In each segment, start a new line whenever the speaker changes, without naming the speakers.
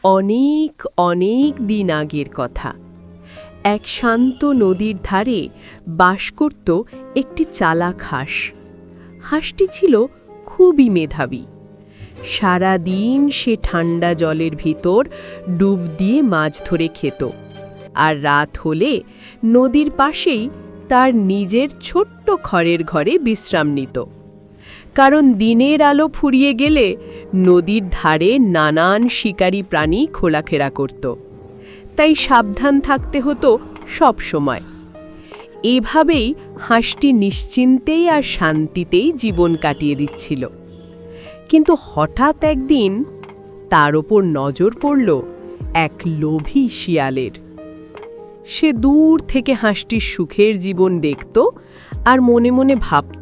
অনেক অনেক দিন আগের কথা। এক শান্ত নদীর ধারে বাস করত একটি চালাক হাঁস। হাঁসটি ছিল খুবই মেধাবী। সারা দিন সে ঠান্ডা জলের ভিতর ডুব দিয়ে মাছ ধরে খেত, আর রাত হলে নদীর পাশেই তার নিজের ছোট্ট খড়ের ঘরে বিশ্রাম নিত। কারণ দিনের আলো ফুরিয়ে গেলে নদীর ধারে নানান শিকারী প্রাণী খোলাফেরা করত, তাই সাবধান থাকতে হতো সব সময়। এভাবেই হাঁসটি নিশ্চিন্তেই আর শান্তিতেই জীবন কাটিয়ে দিচ্ছিল। কিন্তু হঠাৎ একদিন তার ওপর নজর পড়ল এক লোভী শিয়ালের। সে দূর থেকে হাঁসটির সুখের জীবন দেখত আর মনে মনে ভাবত,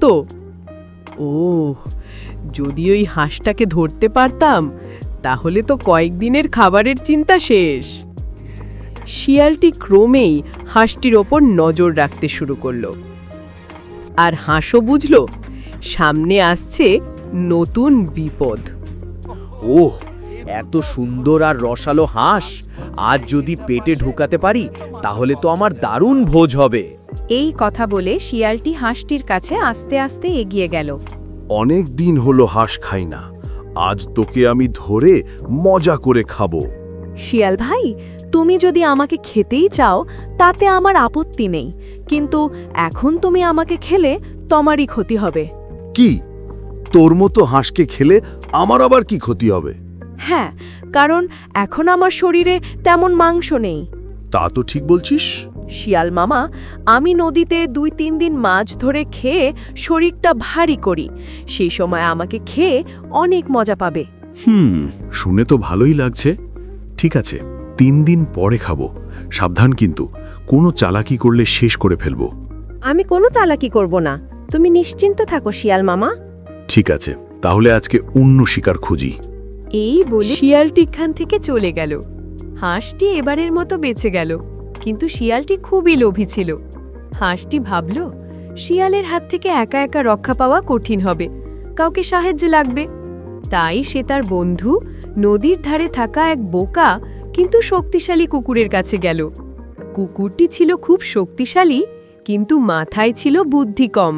ওহ, যদি ওই হাঁসটাকে ধরতে পারতাম তাহলে তো কয়েকদিনের খাবারের চিন্তা শেষ। শিয়ালটি ক্রমেই হাঁসটির ওপর নজর রাখতে শুরু করল, আর হাঁসও বুঝল সামনে আসছে নতুন বিপদ।
ওহ, এত সুন্দর আর রসালো হাঁস আজ যদি পেটে ঢুকাতে পারি তাহলে তো আমার দারুণ ভোজ হবে।
এই কথা বলে শিয়ালটি হাঁসটির কাছে আস্তে আস্তে এগিয়ে গেল।
অনেক দিন হলো হাঁস খাই না, আজ তোকে আমি ধরে মজা করে খাবো।
শিয়াল ভাই, তুমি যদি আমাকে খেতেই চাও তাতে আমার আপত্তি নেই, কিন্তু এখন তুমি আমাকে খেলে তোমারই ক্ষতি হবে।
কি, তোর মতো হাঁসকে খেলে আমার আবার কি ক্ষতি হবে?
হ্যাঁ, কারণ এখন আমার শরীরে তেমন মাংস নেই।
তা তো ঠিক বলছিস।
শিয়াল মামা, আমি নদীতে 2-3 দিন মাছ ধরে খেয়ে শরীরটা ভারী করি, সেই সময় আমাকে খেয়ে অনেক মজা পাবে।
শুনে তো ভালোই লাগছে। ঠিক আছে, 3 দিন পরে খাবো। সাবধান কিন্তু, কোনো চালাকি করলে শেষ করে ফেলবো।
আমি কোনো চালাকি করব না, তুমি নিশ্চিন্ত থাকো শিয়াল মামা।
ঠিক আছে, তাহলে আজকে অন্য শিকার খুঁজি।
এই বলে
শিয়ালটি এখান থেকে চলে গেল। হাঁসটি এবারের মতো বেঁচে গেল, কিন্তু শিয়ালটি খুবই লোভী ছিল। হাঁসটি ভাবল, শিয়ালের হাত থেকে একা একা রক্ষা পাওয়া কঠিন হবে, কাউকে সাহায্য লাগবে। তাই সে তার বন্ধু নদীর ধারে থাকা এক বোকা কিন্তু শক্তিশালী কুকুরের কাছে গেল। কুকুরটি ছিল খুব শক্তিশালী, কিন্তু মাথায় ছিল বুদ্ধি কম।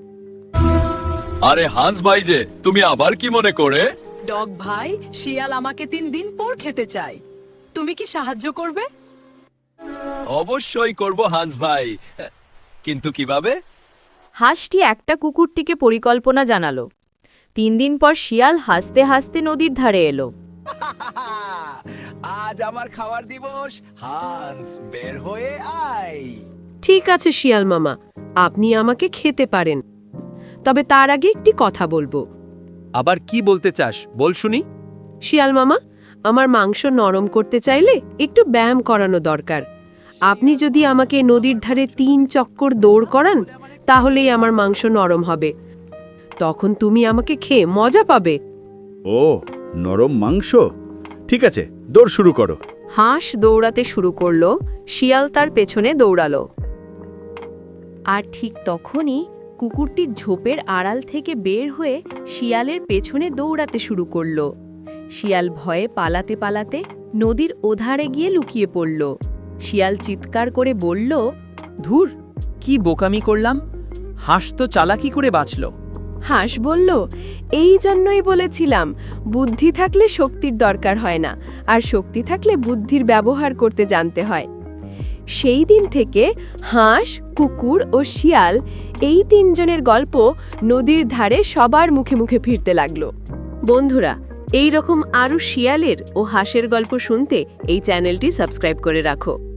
আরে হান্স ভাই যে, তুমি আবার কি মনে করে?
ডগ ভাই, শিয়াল আমাকে 3 দিন পর খেতে চাই, তুমি কি সাহায্য করবে?
অবশ্যই করব হান্স ভাই, কিন্তু কিভাবে?
হাঁসটি একটা কুকুরটিকে পরিকল্পনা জানালো। 3 দিন পর শিয়াল হাসতে হাসতে নদীর ধারে এলো।
আজ আমার খাওয়ার দিবস, হান্স বের হয়ে আয়।
ঠিক আছে শিয়াল মামা, আপনি আমাকে খেতে পারেন, তবে তার আগে একটি কথা বলবো।
আবার কি বলতে চাস, বল শুনি।
শিয়াল মামা, আমার মাংস নরম করতে চাইলে একটু ব্যায়াম করানো দরকার। আপনি যদি আমাকে নদীর ধারে 3 চক্কর দৌড় করান তাহলেই আমার মাংস নরম হবে। তখন তুমি আমাকে খেয়ে মজা পাবে।
ও, নরম মাংস? ঠিক আছে, দৌড় শুরু করো।
হাঁস দৌড়াতে শুরু করলো, শিয়াল তার পেছনে দৌড়ালো। আর ঠিক তখনই কুকুরটি ঝোপের আড়াল থেকে বের হয়ে শিয়ালের পেছনে দৌড়াতে শুরু করলো। শিয়াল ভয়ে পালাতে পালাতে নদীর ওধারে গিয়ে লুকিয়ে পড়ল। শিয়াল চিৎকার করে বলল,
ধুর, কি বোকামি করলাম, হাঁস তো চালাকি করে বাঁচল।
হাঁস বলল, এই জন্যই বলেছিলাম, বুদ্ধি থাকলে শক্তির দরকার হয় না, আর শক্তি থাকলে বুদ্ধির ব্যবহার করতে জানতে হয়। সেই দিন থেকে হাঁস, কুকুর ও শিয়াল, এই 3 জনের গল্প নদীর ধারে সবার মুখে মুখে ফিরতে লাগলো। বন্ধুরা, এই রকম আরও শিয়ালের ও হাঁসের গল্প শুনতে এই চ্যানেলটি সাবস্ক্রাইব করে রাখো।